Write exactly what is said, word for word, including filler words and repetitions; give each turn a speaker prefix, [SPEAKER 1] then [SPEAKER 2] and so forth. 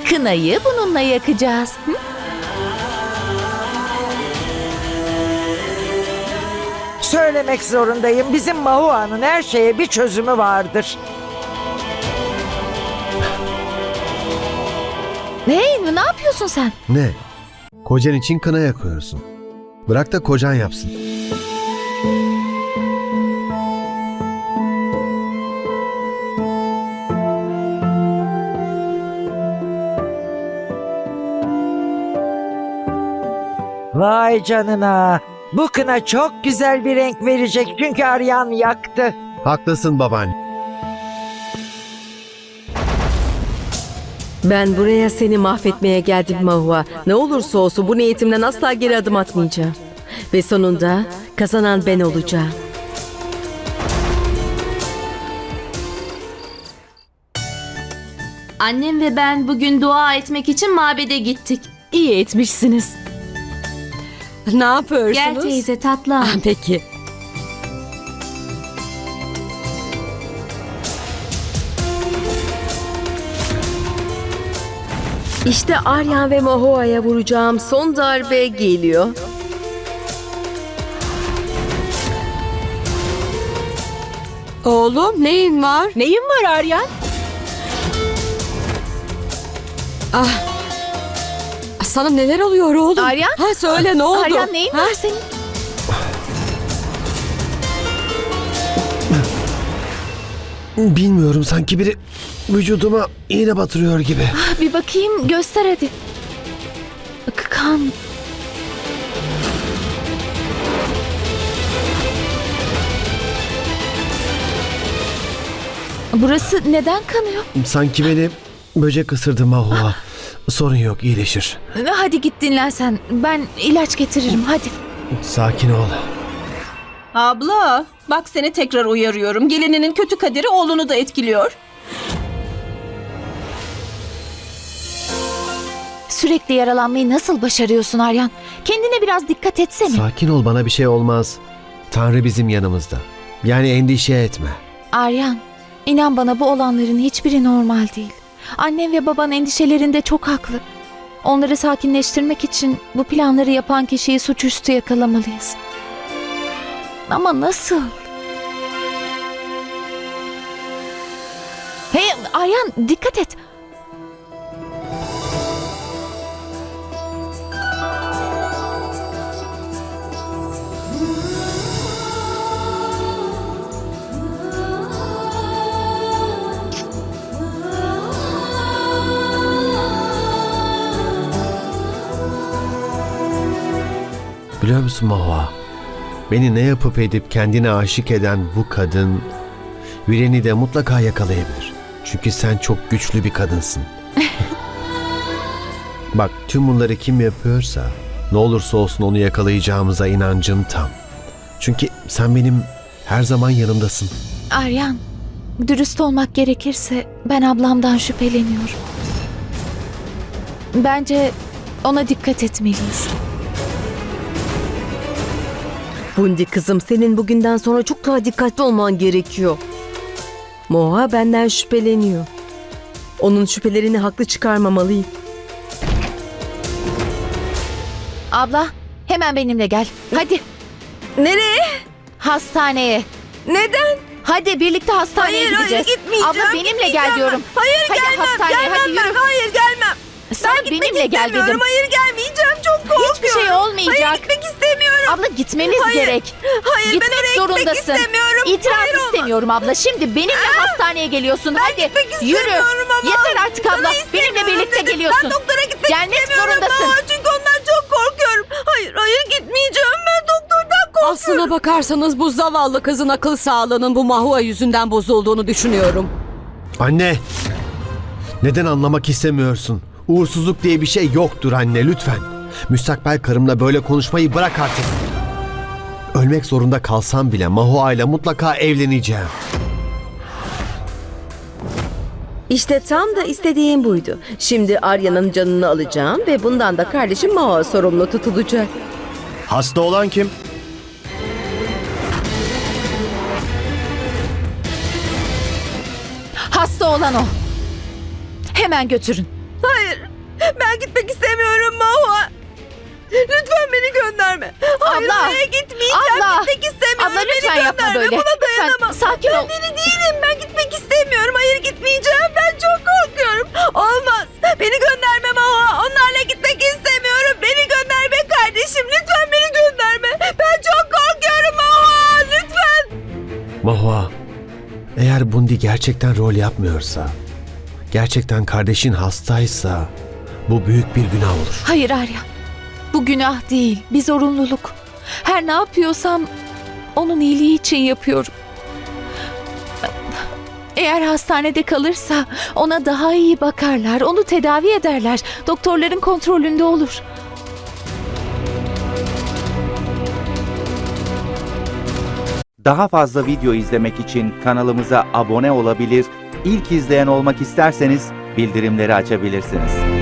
[SPEAKER 1] Kınayı bununla yakacağız. Hı?
[SPEAKER 2] Söylemek zorundayım. Bizim Mahua'nın her şeye bir çözümü vardır.
[SPEAKER 1] Hey, ne yapıyorsun sen?
[SPEAKER 3] Ne? Kocan için kına yakıyorsun. Bırak da kocan yapsın.
[SPEAKER 2] Vay canına. Bu kına çok güzel bir renk verecek çünkü Aryan yaktı.
[SPEAKER 3] Haklısın babaanne.
[SPEAKER 4] Ben buraya seni mahvetmeye geldim Mahua. Ne olursa olsun bu niyetimden asla geri adım atmayacağım. Ve sonunda kazanan ben olacağım.
[SPEAKER 5] Annem ve ben bugün dua etmek için mabede gittik.
[SPEAKER 4] İyi etmişsiniz. Ne yapıyorsunuz?
[SPEAKER 5] Gel teyze tatlı al.
[SPEAKER 4] Ah, peki. İşte Aryan ve Mahua'ya vuracağım son darbe geliyor.
[SPEAKER 6] Oğlum neyin var?
[SPEAKER 4] Neyin var Aryan?
[SPEAKER 6] Sana neler oluyor oğlum?
[SPEAKER 1] Aryan?
[SPEAKER 6] Ha söyle ne oldu?
[SPEAKER 1] Aryan neyin
[SPEAKER 6] Ha?
[SPEAKER 1] var senin?
[SPEAKER 3] Bilmiyorum, sanki biri vücuduma iğne batırıyor gibi.
[SPEAKER 1] Ah, bir bakayım, göster hadi. K- Kan. Burası neden kanıyor?
[SPEAKER 3] Sanki beni böcek ısırdı Mahua. Sorun yok, iyileşir.
[SPEAKER 1] Hadi git dinlen sen. Ben ilaç getiririm hadi.
[SPEAKER 3] Sakin ol.
[SPEAKER 7] Abla, bak seni tekrar uyarıyorum. Gelininin kötü kaderi oğlunu da etkiliyor.
[SPEAKER 1] Sürekli yaralanmayı nasıl başarıyorsun Aryan? Kendine biraz dikkat etsene.
[SPEAKER 3] Sakin ol, bana bir şey olmaz. Tanrı bizim yanımızda. Yani endişe etme.
[SPEAKER 1] Aryan, inan bana bu olanların hiçbiri normal değil. Annem ve baban endişelerinde çok haklı. Onları sakinleştirmek için bu planları yapan kişiyi suçüstü yakalamalıyız. Ama nasıl? Hey Aryan, dikkat et.
[SPEAKER 3] Biliyor musun Mahua? Beni ne yapıp edip kendine aşık eden bu kadın Viren'i de mutlaka yakalayabilir. Çünkü sen çok güçlü bir kadınsın. Bak, tüm bunları kim yapıyorsa ne olursa olsun onu yakalayacağımıza inancım tam. Çünkü sen benim her zaman yanımdasın.
[SPEAKER 1] Aryan, dürüst olmak gerekirse ben ablamdan şüpheleniyorum. Bence ona dikkat etmeliyiz.
[SPEAKER 4] Bundi kızım, senin bugünden sonra çok daha dikkatli olman gerekiyor. Moha benden şüpheleniyor. Onun şüphelerini haklı çıkarmamalıyım.
[SPEAKER 1] Abla, hemen benimle gel. Hadi.
[SPEAKER 4] Nereye?
[SPEAKER 1] Hastaneye.
[SPEAKER 4] Neden?
[SPEAKER 1] Hadi birlikte hastaneye
[SPEAKER 6] Hayır, hayır,
[SPEAKER 1] gideceğiz.
[SPEAKER 6] gitmeyeceğim,
[SPEAKER 1] Abla benimle gel
[SPEAKER 6] gitmeyeceğim
[SPEAKER 1] diyorum.
[SPEAKER 6] ben. Hayır,
[SPEAKER 1] hadi
[SPEAKER 6] gelmem,
[SPEAKER 1] hastaneye
[SPEAKER 6] gelmem
[SPEAKER 1] hadi
[SPEAKER 6] ben.
[SPEAKER 1] yürü.
[SPEAKER 6] Hayır, gelmem.
[SPEAKER 1] Sen
[SPEAKER 6] Ben gitmek
[SPEAKER 1] benimle gel
[SPEAKER 6] istemiyorum.
[SPEAKER 1] dedim.
[SPEAKER 6] Hayır, gelmeyeceğim. Çok korkuyorum.
[SPEAKER 1] Hiçbir şey olmayacak.
[SPEAKER 6] Hayır, gitmek istemiyorum.
[SPEAKER 1] Abla gitmeniz
[SPEAKER 6] Hayır,
[SPEAKER 1] gerek.
[SPEAKER 6] hayır,
[SPEAKER 1] Gitmek
[SPEAKER 6] ben oraya
[SPEAKER 1] zorundasın.
[SPEAKER 6] gitmek istemiyorum.
[SPEAKER 1] İtiraz
[SPEAKER 6] Hayır, olmaz.
[SPEAKER 1] istemiyorum abla. Şimdi benimle hastaneye geliyorsun. hadi
[SPEAKER 6] gitmek
[SPEAKER 1] yürü.
[SPEAKER 6] istemiyorum ama.
[SPEAKER 1] Yeter artık
[SPEAKER 6] Sana
[SPEAKER 1] abla.
[SPEAKER 6] istemiyorum
[SPEAKER 1] Benimle birlikte
[SPEAKER 6] dedim.
[SPEAKER 1] geliyorsun.
[SPEAKER 6] Ben doktora gitmek
[SPEAKER 1] Gelmek
[SPEAKER 6] istemiyorum
[SPEAKER 1] zorundasın.
[SPEAKER 6] ama çünkü ondan çok korkuyorum. Hayır, hayır gitmeyeceğim. Ben doktordan korkuyorum.
[SPEAKER 7] Aslına bakarsanız bu zavallı kızın akıl sağlığının bu Mahua yüzünden bozulduğunu düşünüyorum.
[SPEAKER 3] Anne! Neden anlamak istemiyorsun? Uğursuzluk diye bir şey yoktur anne, lütfen. Müstakbel karımla böyle konuşmayı bırak artık. Ölmek zorunda kalsam bile Mahua ile mutlaka evleneceğim.
[SPEAKER 4] İşte tam da istediğim buydu. Şimdi Arya'nın canını alacağım ve bundan da kardeşim Mahua sorumlu tutulacak.
[SPEAKER 3] Hasta olan kim?
[SPEAKER 1] Hasta olan o. Hemen götürün.
[SPEAKER 6] Hayır. Ben gitmek istemiyorum Mahua. Lütfen beni gönderme. Hayır
[SPEAKER 1] Abla,
[SPEAKER 6] oraya gitmeyeceğim.
[SPEAKER 1] abla,
[SPEAKER 6] Gitmek istemiyorum.
[SPEAKER 1] abla lütfen
[SPEAKER 6] beni
[SPEAKER 1] yapma
[SPEAKER 6] gönderme.
[SPEAKER 1] böyle.
[SPEAKER 6] Buna
[SPEAKER 1] Lütfen
[SPEAKER 6] dayanamam.
[SPEAKER 1] sakin
[SPEAKER 6] ben
[SPEAKER 1] ol.
[SPEAKER 6] deli değilim. Ben gitmek istemiyorum. Hayır gitmeyeceğim. Ben çok korkuyorum. Olmaz. Beni gönderme Mahua. Onlarla gitmek istemiyorum. Beni gönderme kardeşim. Lütfen beni gönderme. Ben çok korkuyorum Mahua. Lütfen.
[SPEAKER 3] Mahua, eğer Bundi gerçekten rol yapmıyorsa, gerçekten kardeşin hastaysa bu büyük bir günah olur.
[SPEAKER 1] Hayır Arya. Bu günah değil, bir zorunluluk. Her ne yapıyorsam onun iyiliği için yapıyorum. Eğer hastanede kalırsa ona daha iyi bakarlar, onu tedavi ederler. Doktorların kontrolünde olur.
[SPEAKER 8] Daha fazla video izlemek için kanalımıza abone olabilir, ilk izleyen olmak isterseniz bildirimleri açabilirsiniz.